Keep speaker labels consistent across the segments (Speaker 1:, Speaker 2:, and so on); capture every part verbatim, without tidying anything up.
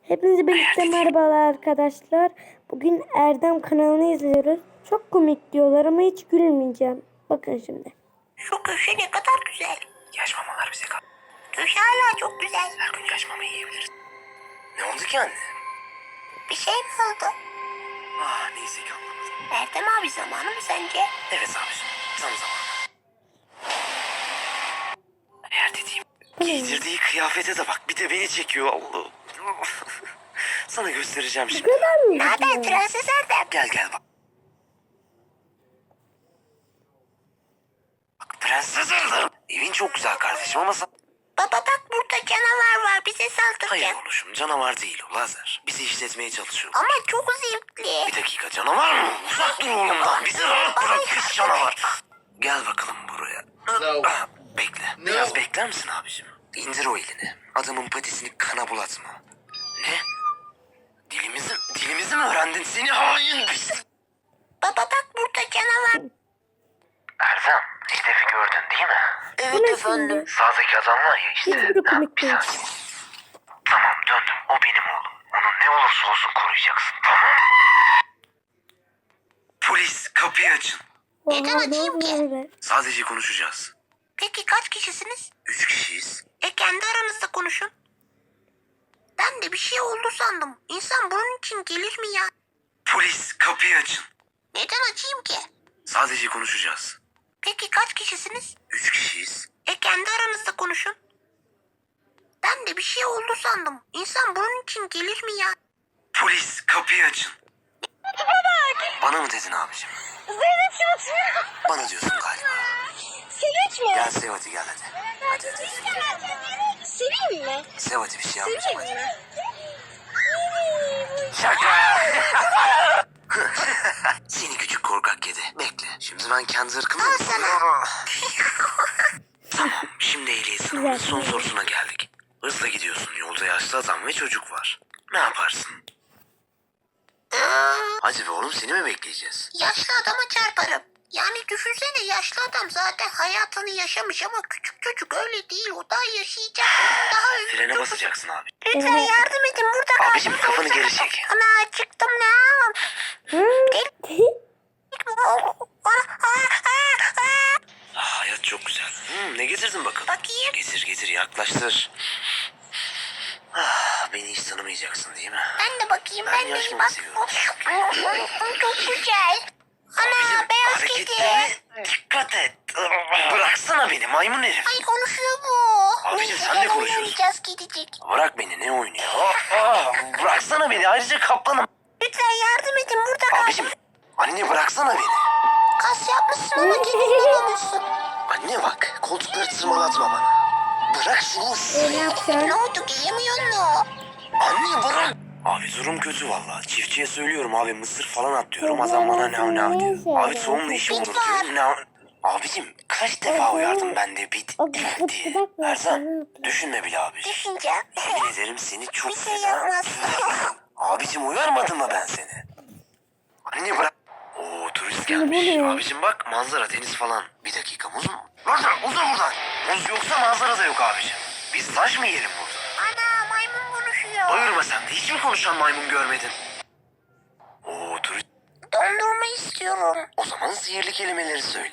Speaker 1: Hepinize birlikte merhabalar arkadaşlar. Bugün Erdem kanalını izliyoruz. Çok komik diyorlar ama hiç gülmeyeceğim. Bakın şimdi.
Speaker 2: Şu köşe ne kadar güzel.
Speaker 3: Yaş mamalar bize kal.
Speaker 2: Köşe hala çok güzel.
Speaker 3: Her gün yaş mama yiyebiliriz. Ne oldu ki anne?
Speaker 2: Bir şey mi oldu?
Speaker 3: Ah neyse ki anlamadım.
Speaker 2: Erdem abi zamanı mı sence?
Speaker 3: Evet abiciğim tam zamanı. Eğer dediğim giydirdiği kıyafete de bak bir de beni çekiyor Allah'ım. Sana göstereceğim
Speaker 1: Bu
Speaker 3: şimdi.
Speaker 1: kadar mı?
Speaker 2: Ne haber Prenses Erdem?
Speaker 3: Gel gel bak. Bak prenses Erdem. Evin çok güzel kardeşim ama sen...
Speaker 2: Baba bak burada canavar var bize saldıracak.
Speaker 3: Hayır oğlum canavar değil o lazer. Bizi işletmeye çalışıyor.
Speaker 2: Ama çok zevkli.
Speaker 3: Bir dakika canavar mı? Uzak dur oğlumdan. Bizi rahat bırak pis canavar. Gel bakalım buraya. Ah, bekle. Biraz bekler misin abicim? İndir o elini. Adamın patisini kana bulatma. Ne? Dilimizi, dilimizi mi öğrendin? Seni hain pis.
Speaker 2: Baba bak burada canavar.
Speaker 3: Erdem, hedefi gördün değil mi?
Speaker 1: Bu
Speaker 2: Evet
Speaker 1: ne
Speaker 2: efendim.
Speaker 1: şimdi?
Speaker 3: Sağdaki adam var ya işte.
Speaker 1: Hiçbiri komik
Speaker 3: Bir
Speaker 1: değil.
Speaker 3: saniye. Tamam döndüm. O benim oğlum. Onu ne olursa olsun koruyacaksın. Tamam mı? Polis kapıyı açın.
Speaker 2: Neden
Speaker 1: Oha,
Speaker 2: açayım ki?
Speaker 1: ne böyle?
Speaker 3: Sadece konuşacağız.
Speaker 2: Peki kaç kişisiniz?
Speaker 3: Üç kişiyiz.
Speaker 2: E kendi aranızda konuşun. Ben de bir şey oldu sandım. İnsan bunun için gelir mi ya?
Speaker 3: Polis kapıyı açın.
Speaker 2: Neden açayım ki?
Speaker 3: Sadece konuşacağız.
Speaker 2: Peki kaç kişisiniz?
Speaker 3: Üç kişiyiz.
Speaker 2: E kendi aranızda konuşun. Ben de bir şey oldu sandım. İnsan bunun için gelir mi ya?
Speaker 3: Polis kapıyı açın. Bana mı dedin abicim?
Speaker 2: Zeynep çalışmıyor.
Speaker 3: Bana diyorsun galiba.
Speaker 2: Sevinç mi?
Speaker 3: Gel sev hadi gel hadi. Hadi hadi.
Speaker 2: Seveyim mi?
Speaker 3: Sev hadi bir şey yapmayacağım
Speaker 2: Seveyim
Speaker 3: hadi.
Speaker 2: mi?
Speaker 3: Şaka. Seni küçük korkak kedi. Bekle. Şimdi ben kendi ırkımı...
Speaker 2: Al sana.
Speaker 3: Tamam. Şimdi ehliyet sınavının son sorusuna geldik. Hızla gidiyorsun. Yolda yaşlı adam ve çocuk var. Ne yaparsın? Hadi be oğlum seni mi bekleyeceğiz?
Speaker 2: Yaşlı adama çarparım. Yani düşünsene yaşlı adam zaten hayatını yaşamış ama küçük çocuk öyle değil. O daha yaşayacak. Daha ömrü
Speaker 3: Frene
Speaker 2: çok-
Speaker 3: basacaksın abi.
Speaker 2: Lütfen yardım edin burada.
Speaker 3: Abicim,
Speaker 2: kaldım.
Speaker 3: kafanı geri çek.
Speaker 2: Ana acıktım ne?
Speaker 3: Ah, hayat çok güzel. Hmm, ne getirdin bakalım?
Speaker 2: Bakayım.
Speaker 3: Getir getir yaklaştır. Ah, beni hiç tanımayacaksın değil mi?
Speaker 2: Ben de bakayım.
Speaker 3: Ben
Speaker 2: Ben, de
Speaker 3: yaşlı
Speaker 2: bir bak.
Speaker 3: seviyorum.
Speaker 2: Çok güzel. Ana beyaz kedi.
Speaker 3: hareketlerine dikkat et. Bıraksana beni maymun herif.
Speaker 2: Ay konuşuyor bu.
Speaker 3: Abicim,
Speaker 2: Neyse,
Speaker 3: sen de
Speaker 2: gel
Speaker 3: konuşuyorsun.
Speaker 2: oynayacağız kedicik.
Speaker 3: Bırak beni ne oynuyor? Ah, ah, bıraksana beni ayrıca kaplanım.
Speaker 2: Lütfen yardım edin burada kaldım.
Speaker 3: Abicim anne bıraksana beni.
Speaker 2: Kas yapmışsın ama kedi olmuşsun.
Speaker 3: Anne bak koltukları tırmalatma bana. Bırak şunu.
Speaker 1: E, ne yapacaksın?
Speaker 2: Ne oldu giyemiyor mu?
Speaker 3: Anne bırak. Abi durum kötü valla. Çiftçiye söylüyorum abi mısır falan at diyorum. Adam bana nav nav diyor. Abi soğumla işim olur diyorum. Nav... Abicim kaç defa uyardım ben de bit
Speaker 1: O
Speaker 3: diye.
Speaker 1: bırak bırak.
Speaker 3: Erzan düşünme bile abi.
Speaker 2: Düşüneceğim.
Speaker 3: Yemin ederim seni çok
Speaker 2: Bir şey
Speaker 3: fena-
Speaker 2: yapmaz.
Speaker 3: Abicim uyarmadım mı ben seni? Anne bırak. Oo turist gelmiş.
Speaker 1: Ne bu?
Speaker 3: Abicim bak manzara deniz falan. Bir dakika muz mu? Buradan uzun buradan. Muz yoksa manzara da yok abicim. Biz taş mı yiyelim burada?
Speaker 2: Ana maymun konuşuyor.
Speaker 3: Bağırma sen de hiç mi konuşan maymun görmedin? Oo turist.
Speaker 2: Dondurma istiyorum.
Speaker 3: O zaman sihirli kelimeleri söyle.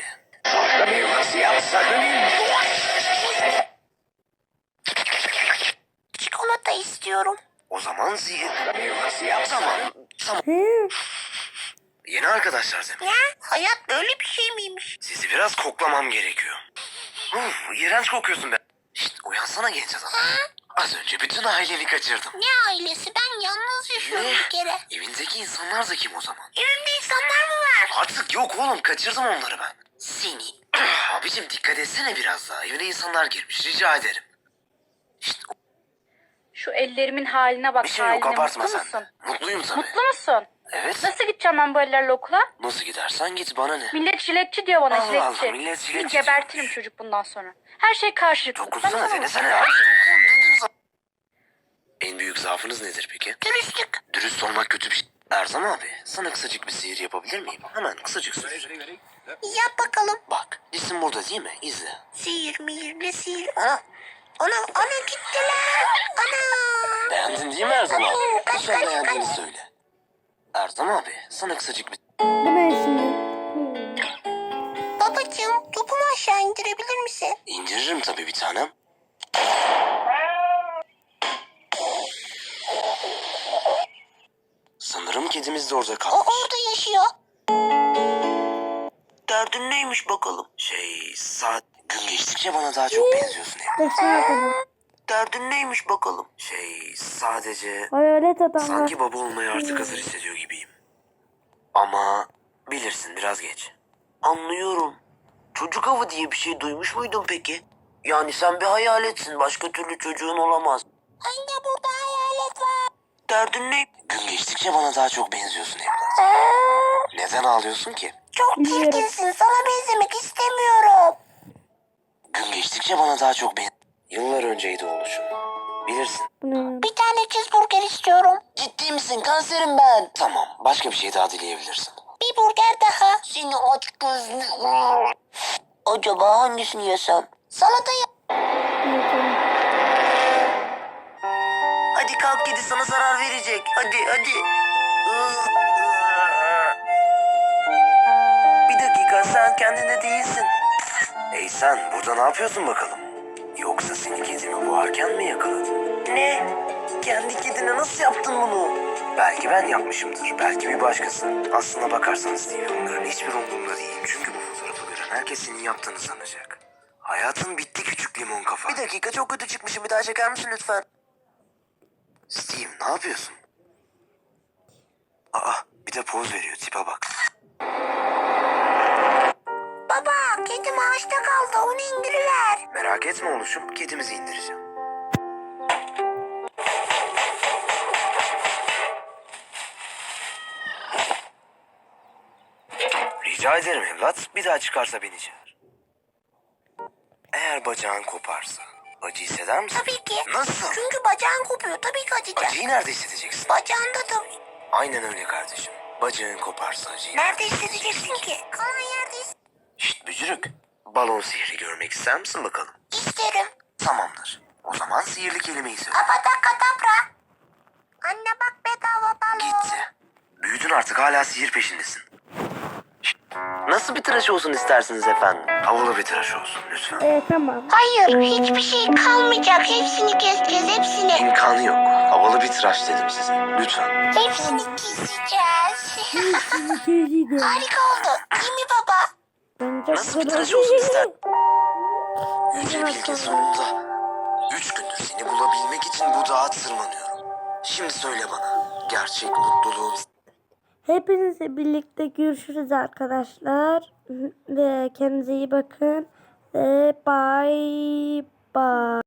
Speaker 2: Çikolata istiyorum.
Speaker 3: O zaman sihir... Tamam. Tamam.
Speaker 1: Hı?
Speaker 3: Yeni arkadaşlar demek.
Speaker 2: Ne? Hayat böyle bir şey miymiş?
Speaker 3: Sizi biraz koklamam gerekiyor. Uf, iğrenç kokuyorsun be. Şşt uyansana genç adam. Az önce bütün aileni kaçırdım.
Speaker 2: Ne ailesi? Ben yalnız yaşıyorum bir kere.
Speaker 3: Evindeki insanlar da kim o zaman?
Speaker 2: Evimde insanlar mı var?
Speaker 3: Artık yok oğlum kaçırdım onları ben. Seni. Abicim dikkat etsene biraz daha. Evine insanlar girmiş rica ederim. İşte
Speaker 4: Şu ellerimin haline bak,
Speaker 3: bir şey yok
Speaker 4: haline.
Speaker 3: abartma
Speaker 4: Mutlu
Speaker 3: sen.
Speaker 4: musun?
Speaker 3: Mutluyum tabii.
Speaker 4: Mutlu musun?
Speaker 3: Evet.
Speaker 4: Nasıl gideceğim ben bu ellerle okula?
Speaker 3: Nasıl gidersen git bana ne?
Speaker 4: Millet jiletçi diyor bana,
Speaker 3: Allah
Speaker 4: jiletçi.
Speaker 3: Allah, millet jiletçi
Speaker 4: Seni gebertirim
Speaker 3: diyormuş.
Speaker 4: çocuk bundan sonra. Her şey karşılıklı.
Speaker 3: Dokunsana
Speaker 4: Baksana.
Speaker 3: denesene. Hadi dokun dedin zaten. En büyük zaafınız nedir peki?
Speaker 2: Dürüstlük.
Speaker 3: Dürüst olmak kötü bir şey. Erzan abi sana kısacık bir sihir yapabilir miyim? Hemen kısacık sihir.
Speaker 2: Yap bakalım.
Speaker 3: Bak cisim burada değil mi? İzle.
Speaker 2: Sihir mihir ne sihir? Ana. Ana, ana gittiler. Ana.
Speaker 3: Beğendin değil mi Erdem abi?
Speaker 2: Kaç,
Speaker 3: Lütfen
Speaker 2: kaç,
Speaker 3: beğendiğini söyle. Erdem abi sana kısacık bir...
Speaker 1: Bu ne şimdi? Hmm.
Speaker 2: Babacığım, topumu aşağı indirebilir misin?
Speaker 3: İndiririm tabii bir tanem. Sanırım kedimiz de orada
Speaker 2: O
Speaker 3: kalmış.
Speaker 2: orada yaşıyor. Derdin neymiş bakalım?
Speaker 3: Şey, saat gün geçtikçe bana daha çok benziyorsun Emre.
Speaker 1: Yaşar adam.
Speaker 2: Derdin neymiş bakalım?
Speaker 3: Şey, sadece
Speaker 1: Hayalet adamlar.
Speaker 3: sanki baba olmaya artık hazır hissediyor gibiyim. Ama bilirsin biraz geç.
Speaker 2: Anlıyorum. Çocuk avı diye bir şey duymuş muydun peki? Yani sen bir hayaletsin. Başka türlü çocuğun olamaz. Anne burada hayalet var. Derdin ne?
Speaker 3: Gün geçtikçe bana daha çok benziyorsun evlat. Neden ağlıyorsun ki?
Speaker 2: Çok
Speaker 1: Biliyorum.
Speaker 2: çirkinsin. Sana benzemek istemiyorum.
Speaker 3: Gün geçtikçe bana daha çok ben... Yıllar önceydi oluşum. Bilirsin.
Speaker 1: Bu ne ya?
Speaker 2: Bir tane cheeseburger istiyorum. Ciddi misin? Kanserim ben.
Speaker 3: Tamam, başka bir şey daha dileyebilirsin.
Speaker 2: Bir burger daha. Seni aç gözlü. Acaba hangisini yesem? Salata ye.
Speaker 1: Evet, tamam.
Speaker 2: Hadi kalk, kedi sana zarar verecek. Hadi hadi. Bir dakika, sen kendinde değilsin.
Speaker 3: Hey sen, burada ne yapıyorsun bakalım? Yoksa seni kedimi boğarken mi yakaladım?
Speaker 2: Ne? Kendi kedine nasıl yaptın bunu?
Speaker 3: Belki ben yapmışımdır, belki bir başkası. Aslına bakarsan Steve, onların hiçbir umurumda değil. Çünkü bu fotoğrafı gören herkes senin yaptığını sanacak. Hayatın bitti küçük limon kafa.
Speaker 2: Bir dakika, çok kötü çıkmışım. Bir daha çeker misin lütfen?
Speaker 3: Steve, ne yapıyorsun? Aa, bir de poz veriyor, tipe bak.
Speaker 2: Baba, kedim ağaçta kaldı. Onu indiriver.
Speaker 3: Merak etme oluşum, kedimizi indireceğim. Rica ederim evlat, bir daha çıkarsa beni çağır. Eğer bacağın koparsa, acı hisseder misin?
Speaker 2: Tabii ki.
Speaker 3: Nasıl?
Speaker 2: Çünkü bacağın kopuyor. Tabii ki acıyacak.
Speaker 3: Acıyı nerede hissedeceksin?
Speaker 2: Bacağında tabii.
Speaker 3: Aynen öyle kardeşim. Bacağın koparsa acıyı
Speaker 2: Nerede hissedeceksin ki? Kalan yerde his-
Speaker 3: Şşt bücürük. Balon sihri görmek ister misin bakalım?
Speaker 2: isterim.
Speaker 3: Tamamdır. O zaman sihirli kelimeyi söyle.
Speaker 2: Apatakadabra. Anne bak, bedava balon.
Speaker 3: Gitti. Büyüdün artık, hala sihir peşindesin. Şşt. Nasıl bir tıraş olsun istersiniz efendim? Havalı bir tıraş olsun lütfen.
Speaker 1: Evet, tamam.
Speaker 2: Hayır, hiçbir şey kalmayacak. Hepsini keseceğiz, hepsini.
Speaker 3: İmkanı yok. Havalı bir tıraş dedim size. Lütfen.
Speaker 2: Hepsini keseceğiz.
Speaker 1: İkiydi.
Speaker 2: Harika oldu. Değil mi baba?
Speaker 1: Ben çok
Speaker 3: Nasıl bir
Speaker 1: güzel-
Speaker 3: tıraş olsun ister? Yüce Bilge sonunda. Üç gündür seni bulabilmek için bu dağa tırmanıyorum. Şimdi söyle bana. Gerçek mutluluğun...
Speaker 1: Hepinizle birlikte görüşürüz arkadaşlar. Ve kendinize iyi bakın. Ve bye bye.